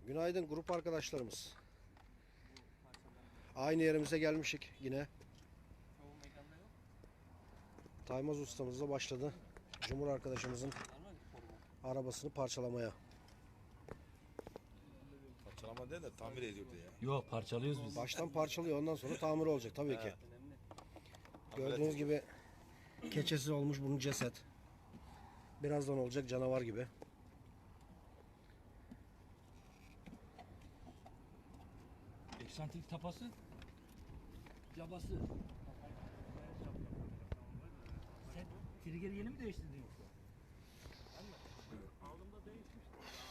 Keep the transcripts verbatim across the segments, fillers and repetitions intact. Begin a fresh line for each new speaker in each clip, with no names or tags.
Günaydın grup arkadaşlarımız. Aynı yerimize gelmişik yine. Taymaz ustamız da başladı. Cumhur arkadaşımızın arabasını parçalamaya.
Parçalama değil de tamir ediyordu ya.
Yok, parçalıyoruz biz.
Baştan parçalıyor, ondan sonra tamir olacak tabii ki. Gördüğünüz gibi keçesiz olmuş bunun ceset. Birazdan olacak canavar gibi.
Eksantrik tapası, cabası. Sen trigger'i yeni mi değiştirdin yoksa?
Aldığımda değişmişti.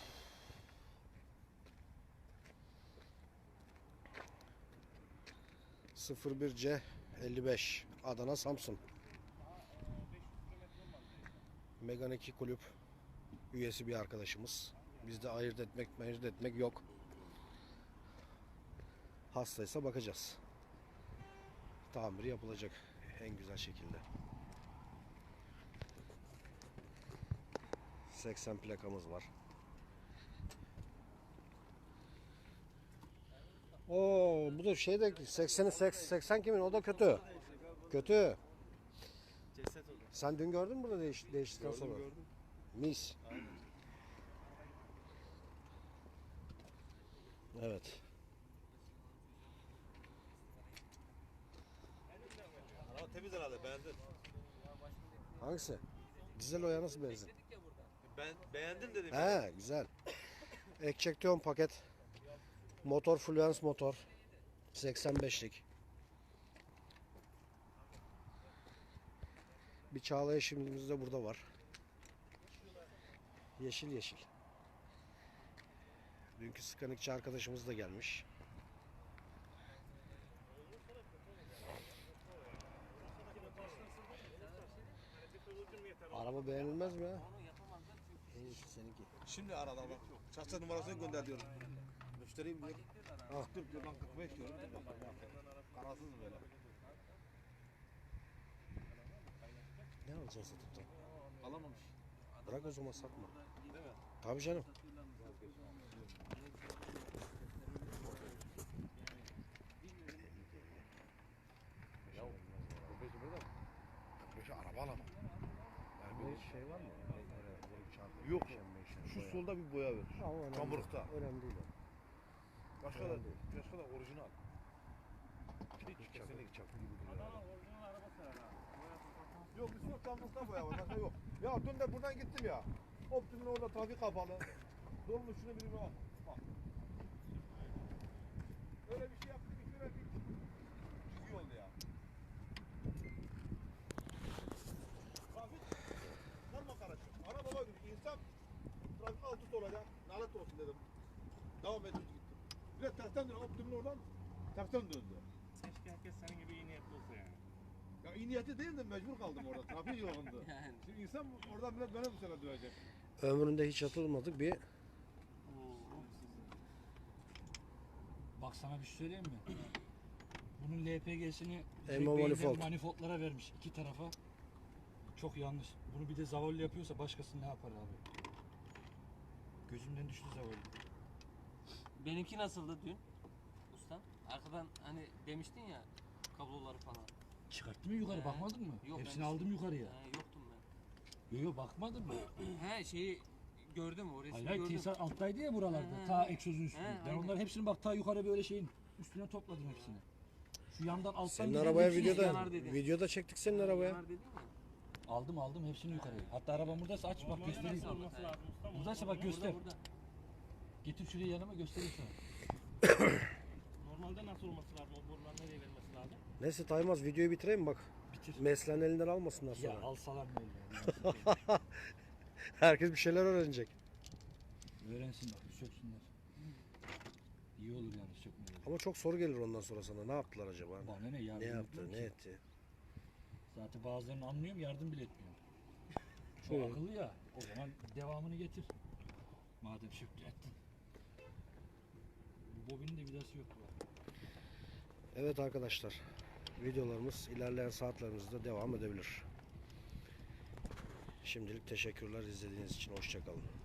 sıfır bir C elli beş Adana Samsun. Megan iki kulüp üyesi bir arkadaşımız. Bizde ayırt etmek, ayırt etmek yok. Hastaysa bakacağız. Tamiri yapılacak en güzel şekilde. seksen plakamız var. Oo, bu da şeyde sekseni seksen kimin? O da kötü. Kötü.
Ceset olur.
Sen dün gördün mü burada değiş, değiştikten
Gördüm
sonra?
gördüm.
Mis. Evet.
Araba temiz herhalde, beğendin.
Hangisi? Dizel o ya, nasıl benzin?
Ben beğendim dedim.
He, güzel. Ekçektiyon paket. Motor Fluence motor. seksen beşlik. Bir Çağla eşimimiz de burada var. Yeşil yeşil. Dünkü skanikçi arkadaşımız da gelmiş. Araba beğenilmez mi ya? En iyisi seninki.
Şimdi arada bak. Şahsen numarasını gönder diyorum. Müşteriyim diyor.
Ah.
kırk diyor, ben kırk beş diyorum. Kararsız böyle.
Ne alacaksın satıp da?
Alamamış.
Bırak o zaman, satma.
Değil mi?
Tabii canım.
Ya kırk beş burada mı? kırk beş araba alamam. Yani böyle
şey var mı?
Yok. Şu solda bir boya ver. Kamburukta.
Önemli değil o.
Başka da, başka da orijinal. Hiç
Çakı,
kesinlikle.
çakı gibi duruyor.
Adana orijinal arabası herhalde.
Yok bir sürü kamburukta boya var. Başka yok. Ya dün de buradan gittim ya. Optim'in orada trafik kapalı. Dolmuş şunu bir bak. Bak. Öyle bir şey yaptık ki şöyle bir çizgi oldu ya. Trafik normal karışıyor. Ana baba gibi insan trafik altı olacak. Lanet olsun dedim. Devam edip gittim. Bir de tersten döndü. Optim'in oradan tersten döndü.
Keşke herkes senin gibi iyi niyetli olsa yani.
Ya iyi niyeti değil de mecbur kaldım orada. Trafik yoğundu.
Yani.
Şimdi insan oradan millet bana bu sene dövecek.
Ömründe hiç atılmadık bir
Bak sana bir şey söyleyeyim mi? Bunun L P G'sini
Elma manifold.
manifoldlara vermiş iki tarafa. Çok yanlış. Bunu bir de zavallı yapıyorsa başkası ne yapar abi? Gözümden düştü zavallı.
Benimki nasıldı dün? Ustam. Arkadan hani demiştin ya kabloları falan.
Çıkarttın mı yukarı,
He.
bakmadın mı?
Yok,
Hepsini
ben-
aldım yukarıya.
He, yoktum ben.
Yok yok, bakmadın mı?
He şeyi gördüm o resmi
Hayır hayır,
gördüm.
tesisat alttaydı ya buralarda.
He,
Ta
he.
egzozun üstünde.
He,
Ben
aynen.
onların hepsini bak ta yukarı böyle şeyin üstüne topladım hepsini. Şu yandan alttan
senin
giden
arabaya
hepsini
videoda
yanar dedi.
videoda çektik senin arabaya.
Yanar dedin ya.
aldım aldım hepsini yukarıya. Hatta arabam buradaysa aç bak
Normalde
göstereyim.
nasıl olması lazım ustam?
Buradaysa bak göster.
Burada burada.
Getir şuraya yanıma göstereyim sana.
Normalde nasıl olması lazım? O borular nereye verilmesi lazım?
Neyse Taymaz, videoyu bitireyim bak.
Bitir.
Mesleğin elinden almasınlar
Ya
sonra.
alsalar ne olur?
Herkes bir şeyler öğrenecek.
Öğrensin bak, söksünler. İyi olur yani sökmeleri.
Ama çok soru gelir ondan sonra sana. Ne yaptılar acaba?
Bana ne yardım
Ne yaptı,
etmiyor
ne
ki.
etti?
Zaten bazılarını anlıyorum, yardım bile etmiyor. Çok
Hı.
akıllı ya. O zaman devamını getir. Madem söktü ettin. Bu bobinin de vidası yok bu.
Evet arkadaşlar. Videolarımız ilerleyen saatlerimizde devam edebilir. Şimdilik teşekkürler izlediğiniz için. Hoşça kalın.